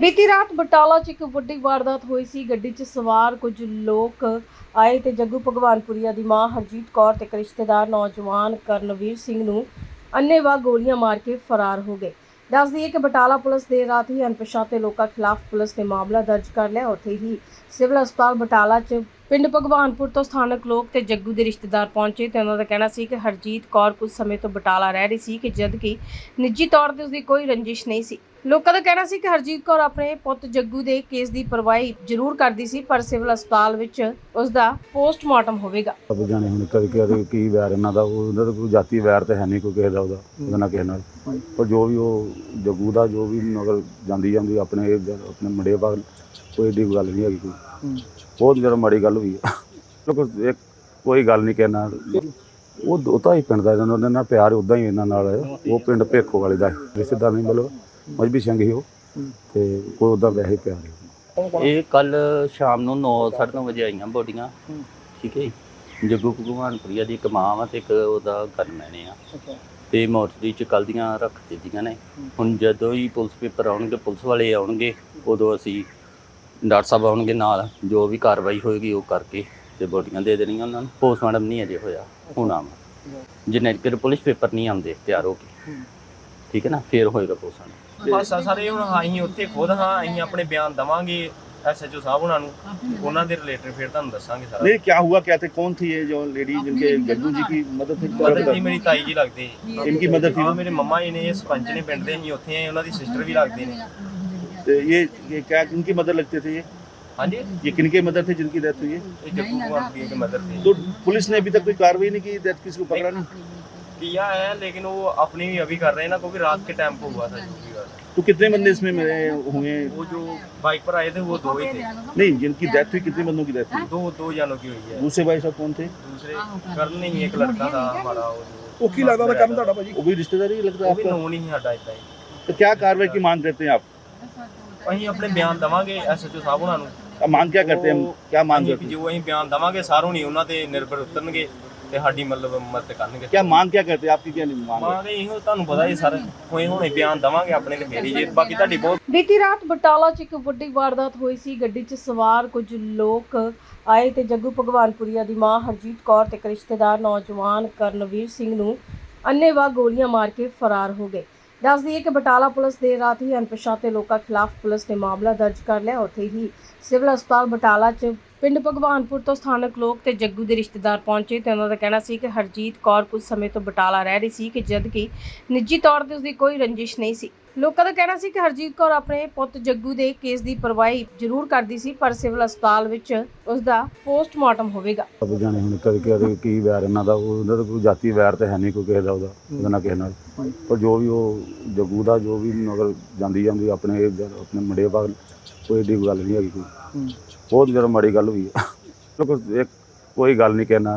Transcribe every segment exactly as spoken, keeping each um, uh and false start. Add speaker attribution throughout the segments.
Speaker 1: बीती रात बटाला च एक वड्डी वारदात हुई सी। गड्डी च सवार कुछ लोग आए ते जग्गू भगवानपुरिया दी मां हरजीत कौर ते एक रिश्तेदार नौजवान करनवीर सिंह नूं अन्नेवाह गोलियां मार के फरार हो गए। दस दईए कि बटाला पुलिस देर रात ही अणपछाते लोगों खिलाफ पुलिस ने मामला दर्ज कर लिया। उत्थे ही सिविल हस्पताल बटाला च पिंड भगवानपुर तो स्थानक लोग ते जग्गू दे रिश्तेदार पहुंचे ते उन्हां दा कहना सी कि हरजीत कौर कुछ समय तो बटाला रह रही सी कि जदकि निजी तौर ते उसदी कोई रंजिश नहीं सी। लोगों का कहना सी कि हरजीत कौर अपने पुੱਤ जग्गू दे केस ਦੀ ਪਰਵਾਹੀ ਜ਼ਰੂਰ ਕਰਦੀ ਸੀ ਪਰ ਸਿਵਲ ਹਸਪਤਾਲ ਵਿੱਚ ਉਸ ਦਾ ਪੋਸਟਮਾਰਟਮ ਹੋਵੇਗਾ।
Speaker 2: अब जाने हुण कभी कभी की वैर इन्हां दा उहदा कोई जाती वैर तो है नहीं कोई किसी दा उहदा उहदे नाल किसी नाल पर जो भी वो जग्गू दा जो भी मगर जांदी जांदी अपने अपने मुंडे बाग कोई एडी गल नहीं हैगी कोई बहुत ज़्यादा माड़ी गल हुई है। लोग एक कोई गल नहीं कहना वो उता ही पिंड दा इन्हां नाल प्यार उदा ही इन्हां नाल वो पिंड भेखो वाले दा रिश्तेदार नहीं मतलब मजबी सिंह ही वो ते कोई उदा वैसे प्यार है।
Speaker 3: ਇਹ ਕੱਲ ਸ਼ਾਮ ਨੂੰ ਨੌ ਸਾਢੇ ਨੌ ਵਜੇ ਆਈਆਂ ਬੋਡੀਆਂ। ਠੀਕ ਹੈ ਜੀ। ਜੱਗੂ ਭਗਵਾਨਪੁਰੀਆ ਦੀ ਇੱਕ ਮਾਂ ਵਾ ਤੇ ਇੱਕ ਉਹਦਾ ਗਨਮੈਨ ਆ ਤੇ ਮੋਰਚਰੀ ਚ ਕੱਲ੍ਹ ਦੀਆਂ ਰੱਖ ਦਿੱਤੀਆਂ ਨੇ। ਹੁਣ ਜਦੋਂ ਹੀ ਪੁਲਿਸ ਪੇਪਰ ਆਉਣਗੇ ਪੁਲਿਸ ਵਾਲੇ ਆਉਣਗੇ ਉਦੋਂ ਅਸੀਂ ਡਾਕਟਰ ਸਾਹਿਬ ਆਉਣਗੇ ਨਾਲ ਜੋ ਵੀ ਕਾਰਵਾਈ ਹੋਏਗੀ ਉਹ ਕਰਕੇ ਤੇ ਬੋਡੀਆਂ ਦੇ ਦੇਣੀਆਂ ਉਹਨਾਂ ਨੂੰ। ਪੋਸਟਮਾਰਟਮ ਨਹੀਂ ਅਜੇ ਹੋਇਆ ਹੁਣ ਆਵਾਂ ਜਿੰਨੇ ਚਿਰ ਪੁਲਿਸ ਪੇਪਰ ਨਹੀਂ ਆਉਂਦੇ ਤਿਆਰ ਹੋ ਕੇ ਠੀਕ ਹੈ ਨਾ ਫਿਰ ਹੋਏਗਾ ਪੋਸਟਮਾਰਟਮ।
Speaker 4: ਬਸ ਸਾਰੇ ਹੁਣ ਅਸੀਂ ਉੱਥੇ ਖੁਦ ਹਾਂ ਅਸੀਂ ਆਪਣੇ ਬਿਆਨ ਦਵਾਂਗੇ एसएचओ साहब ਉਹਨਾਂ ਨੂੰ ਉਹਨਾਂ ਦੇ ਰਿਲੇਟਡ ਫਿਰ ਤੁਹਾਨੂੰ ਦੱਸਾਂਗੇ ਸਾਰਾ।
Speaker 5: नहीं क्या हुआ क्या थे कौन थी ये जो लेडी जिनके जग्गू जी की मदद थी
Speaker 4: ਮਦਰ ਜੀ ਮੇਰੀ ਤਾਈ ਜੀ ਲੱਗਦੇ
Speaker 5: इनकी मदद थी
Speaker 4: ਹਾਂ ਮੇਰੇ ਮੰਮਾ ਜੀ ਨੇ ਇਹ ਸਰਪੰਚ ਨੇ ਪਿੰਡ ਦੇ ਅਸੀਂ ਉੱਥੇ ਆਏ ਉਹਨਾਂ ਦੀ ਸਿਸਟਰ ਵੀ ਲੱਗਦੇ ਨੇ।
Speaker 5: तो ये ये क्या किनकी मदद लगते थे ये
Speaker 4: ਹਾਂਜੀ
Speaker 5: ये किनके मदद थे जिनकी डेथ हुई है
Speaker 4: ਇਹ ਜੱਗੂ ਭਗਵਾਨਪੁਰੀਆ के मदर थे।
Speaker 5: तो पुलिस ने अभी तक कोई कार्रवाई नहीं की डेथ किसी को पकड़ा नहीं
Speaker 4: किया है लेकिन वो अपनी भी अभी कर रहे हैं ना क्योंकि रात के टाइम को हुआ था जो भी हुआ था।
Speaker 5: तो कितने बंदे इसमें मिले हुए
Speaker 4: वो जो बाइक पर आए थे वो दो ही थे।
Speaker 5: नहीं जिनकी डेथ हुई कितने बंदों की डेथ हुई
Speaker 4: दो दो जानों की हुई है।
Speaker 5: दूसरे भाई साहब कौन थे
Speaker 4: दूसरे करण नहीं एक लड़का था हमारा वो
Speaker 5: वो की लगता था करण ਤੁਹਾਡਾ ਭਾਜੀ वो भी रिश्तेदार ही लगता है
Speaker 4: वो भी
Speaker 5: आपका
Speaker 4: नोन ही हटा इतना ही।
Speaker 5: तो क्या कार्रवाई की मांग करते हैं आप
Speaker 4: ਅਸੀਂ ਆਪਣੇ ਬਿਆਨ ਦਵਾਂਗੇ ਐਸਐਚਓ ਸਾਹਿਬ ਉਹਨਾਂ ਨੂੰ।
Speaker 5: अब मांग क्या करते हैं हम क्या मांग करते हैं
Speaker 4: ਜੋ ਅਸੀਂ ਬਿਆਨ ਦਵਾਂਗੇ ਸਾਰੋਂ ਨਹੀਂ ਉਹਨਾਂ ਤੇ ਨਿਰਭਰ ਉਤਰਨਗੇ ਤੇ ਸਾਡੀ ਮਤਲਬ ਮਦਦ ਕਰਨਗੇ।
Speaker 5: क्या मांग क्या करते हैं आपकी क्या नहीं मांग है?
Speaker 4: ਮਾਂ ਦੇ ਇਹੋ ਤੁਹਾਨੂੰ ਪਤਾ ਹੀ ਸਰ ਹੋਏ ਹੁਣੇ ਬਿਆਨ ਦਵਾਂਗੇ ਆਪਣੇ ਤੇ ਮੇਰੀ ਜੇ ਬਾਕੀ ਤੁਹਾਡੀ ਬਹੁਤ
Speaker 1: ਬੀਤੀ ਰਾਤ ਬਟਾਲਾ 'ਚ ਇੱਕ ਵੱਡੀ ਵਾਰਦਾਤ ਹੋਈ ਸੀ। ਗੱਡੀ 'ਚ ਸਵਾਰ ਕੁਝ ਲੋਕ ਆਏ ਤੇ ਜੱਗੂ ਭਗਵਾਨਪੁਰੀਆ ਦੀ ਮਾਂ ਹਰਜੀਤ ਕੌਰ ਤੇ ਇੱਕ ਰਿਸ਼ਤੇਦਾਰ ਨੌਜਵਾਨ ਕਰਨਵੀਰ ਸਿੰਘ ਨੂੰ ਅੰਨੇਵਾਹ ਗੋਲੀਆਂ ਮਾਰ ਕੇ ਫਰਾਰ ਹੋ ਗਏ। दस दईए कि बटाला पुलिस देर रात ही अणपछाते लोगों खिलाफ पुलिस ने मामला दर्ज कर लिया। उत्थे ही सिविल हस्पताल बटाला च पिंड भगवानपुर तो स्थानक लोग ते जग्गू दे रिश्तेदार पहुंचे ते उन्हां दा कहना सी कि हरजीत कौर कुछ समय तो बटाला रह रही सी कि जदकि निजी तौर ते उसदी कोई रंजिश नहीं सी। लोगों का कहना सी कि हरजीत कौर अपने पुੱਤ जग्गू दे केस ਦੀ ਪਰਵਾਹੀ ਜ਼ਰੂਰ ਕਰਦੀ ਸੀ ਪਰ ਸਿਵਲ ਹਸਪਤਾਲ ਵਿੱਚ ਉਸ ਦਾ ਪੋਸਟਮਾਰਟਮ ਹੋਵੇਗਾ।
Speaker 2: अब जाने हुण कभी कभी की वैर इन्हां दा उहदा कोई जाती वैर तो है नहीं कोई किसी दा उहदा उहदे नाल किसी नाल पर जो भी वो जग्गू दा जो भी मगर जांदी जांदी अपने अपने मुंडे बाग कोई एडी गल नहीं हैगी कोई बहुत ज़्यादा माड़ी गल हुई है। लोग एक कोई गल नहीं कहना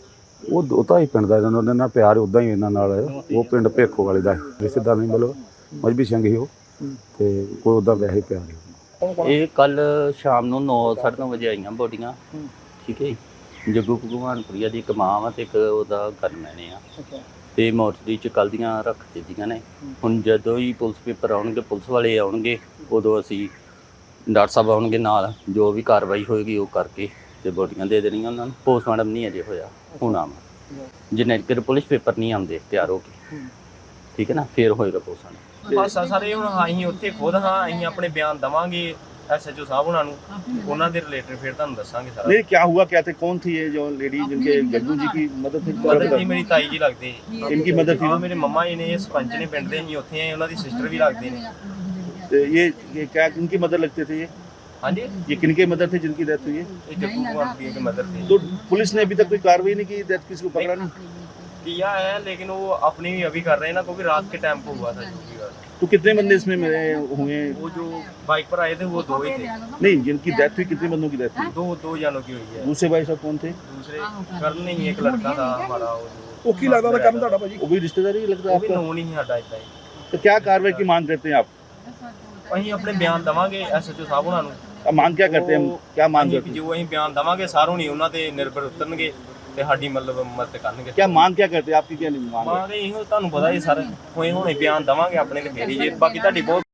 Speaker 2: वो उता ही पिंड दा इन्हां नाल प्यार उदा ही इन्हां नाल वो पिंड भेखो वाले दा रिश्तेदार नहीं मतलब मजबी सिंह ही वो ते कोई उदा वैसे प्यार है।
Speaker 3: ਇਹ ਕੱਲ ਸ਼ਾਮ ਨੂੰ ਨੌ ਸਾਢੇ ਨੌ ਵਜੇ ਆਈਆਂ ਬੋਡੀਆਂ। ਠੀਕ ਹੈ ਜੀ। ਜੱਗੂ ਭਗਵਾਨਪੁਰੀਆ ਦੀ ਇੱਕ ਮਾਂ ਵਾ ਤੇ ਇੱਕ ਉਹਦਾ ਗਨਮੈਨ ਆ ਤੇ ਮੋਰਚਰੀ ਚ ਕੱਲ੍ਹ ਦੀਆਂ ਰੱਖ ਦਿੱਤੀਆਂ ਨੇ। ਹੁਣ ਜਦੋਂ ਹੀ ਪੁਲਿਸ ਪੇਪਰ ਆਉਣਗੇ ਪੁਲਿਸ ਵਾਲੇ ਆਉਣਗੇ ਉਦੋਂ ਅਸੀਂ ਡਾਕਟਰ ਸਾਹਿਬ ਆਉਣਗੇ ਨਾਲ ਜੋ ਵੀ ਕਾਰਵਾਈ ਹੋਏਗੀ ਉਹ ਕਰਕੇ ਤੇ ਬੋਡੀਆਂ ਦੇ ਦੇਣੀਆਂ ਉਹਨਾਂ ਨੂੰ। ਪੋਸਟਮਾਰਟਮ ਨਹੀਂ ਅਜੇ ਹੋਇਆ ਹੁਣ ਆਵਾਂ ਜਿੰਨੇ ਚਿਰ ਪੁਲਿਸ ਪੇਪਰ ਨਹੀਂ ਆਉਂਦੇ ਤਿਆਰ ਹੋ ਕੇ ਠੀਕ ਹੈ ਨਾ ਫਿਰ ਹੋਏਗਾ ਪੋਸਟਮਾਰਟਮ।
Speaker 4: ਬਸ ਸਾਰੇ ਹੁਣ ਅਸੀਂ ਉੱਥੇ ਖੁਦ ਹਾਂ ਅਸੀਂ ਆਪਣੇ ਬਿਆਨ ਦਵਾਂਗੇ ਐਸਐਚਓ ਸਾਹਿਬ ਉਹਨਾਂ ਨੂੰ ਉਹਨਾਂ ਦੇ ਰਿਲੇਟਡ ਫਿਰ ਤੁਹਾਨੂੰ ਦੱਸਾਂਗੇ ਸਾਰਾ।
Speaker 5: नहीं क्या हुआ क्या थे कौन थी ये जो लेडी जिनके जग्गू जी की मदद थी
Speaker 4: ਮਦਰ ਜੀ ਮੇਰੀ ਤਾਈ ਜੀ ਲੱਗਦੇ
Speaker 5: इनकी मदद थी
Speaker 4: ਹਾਂ ਮੇਰੇ ਮੰਮਾ ਜੀ ਨੇ ਇਹ ਸਰਪੰਚ ਨੇ ਪਿੰਡ ਦੇ ਅਸੀਂ ਉੱਥੇ ਆਏ ਉਹਨਾਂ ਦੀ ਸਿਸਟਰ ਵੀ ਲੱਗਦੇ ਨੇ।
Speaker 5: तो ये ये क्या किनकी मदद लगते थे ये
Speaker 4: ਹਾਂਜੀ
Speaker 5: ये किनके मदद थे जिनकी डेथ हुई है
Speaker 4: ਇਹ ਜੱਗੂ ਭਗਵਾਨਪੁਰੀਆ के मदर थे।
Speaker 5: तो पुलिस ने अभी तक कोई कार्रवाई नहीं की डेथ किसी को पकड़ा नहीं
Speaker 4: किया है लेकिन वो अपनी भी अभी कर रहे हैं ना क्योंकि रात के टाइम को हुआ था जो भी हुआ था।
Speaker 5: तो कितने बंदे इसमें मिले हुए
Speaker 4: वो जो बाइक पर आए थे वो दो ही थे।
Speaker 5: नहीं जिनकी डेथ हुई कितने बंदों की डेथ हुई
Speaker 4: दो दो जानों की हुई है।
Speaker 5: दूसरे भाई साहब कौन थे
Speaker 4: दूसरे करण नहीं एक लड़का था हमारा वो जो
Speaker 5: वो की लगता था करण ਤੁਹਾਡਾ ਭਾਜੀ वो भी रिश्तेदार ही लगता है
Speaker 4: वो भी
Speaker 5: आपका
Speaker 4: नोन ही हटा इतना ही।
Speaker 5: तो क्या कार्रवाई की मांग करते हैं आप
Speaker 4: ਅਸੀਂ ਆਪਣੇ ਬਿਆਨ ਦਵਾਂਗੇ ਐਸਐਚਓ ਸਾਹਿਬ ਉਹਨਾਂ ਨੂੰ।
Speaker 5: अब मांग क्या करते हैं हम क्या मांग करते हैं
Speaker 4: ਜੋ ਅਸੀਂ ਬਿਆਨ ਦਵਾਂਗੇ ਸਾਰੋਂ ਨਹੀਂ ਉਹਨਾਂ ਤੇ ਨਿਰਭਰ ਉਤਰਨਗੇ ਤੇ ਸਾਡੀ ਮਤਲਬ ਮਦਦ ਕਰਨਗੇ।
Speaker 5: क्या मांग क्या करते हैं आपकी क्या नहीं मांग है?
Speaker 4: ਮਾਂ ਦੇ ਇਹੋ ਤੁਹਾਨੂੰ ਪਤਾ ਹੀ ਸਰ ਹੋਏ ਹੁਣੇ ਬਿਆਨ ਦਵਾਂਗੇ ਆਪਣੇ ਤੇ ਮੇਰੀ ਜੇ ਬਾਕੀ ਤੁਹਾਡੀ ਬਹੁਤ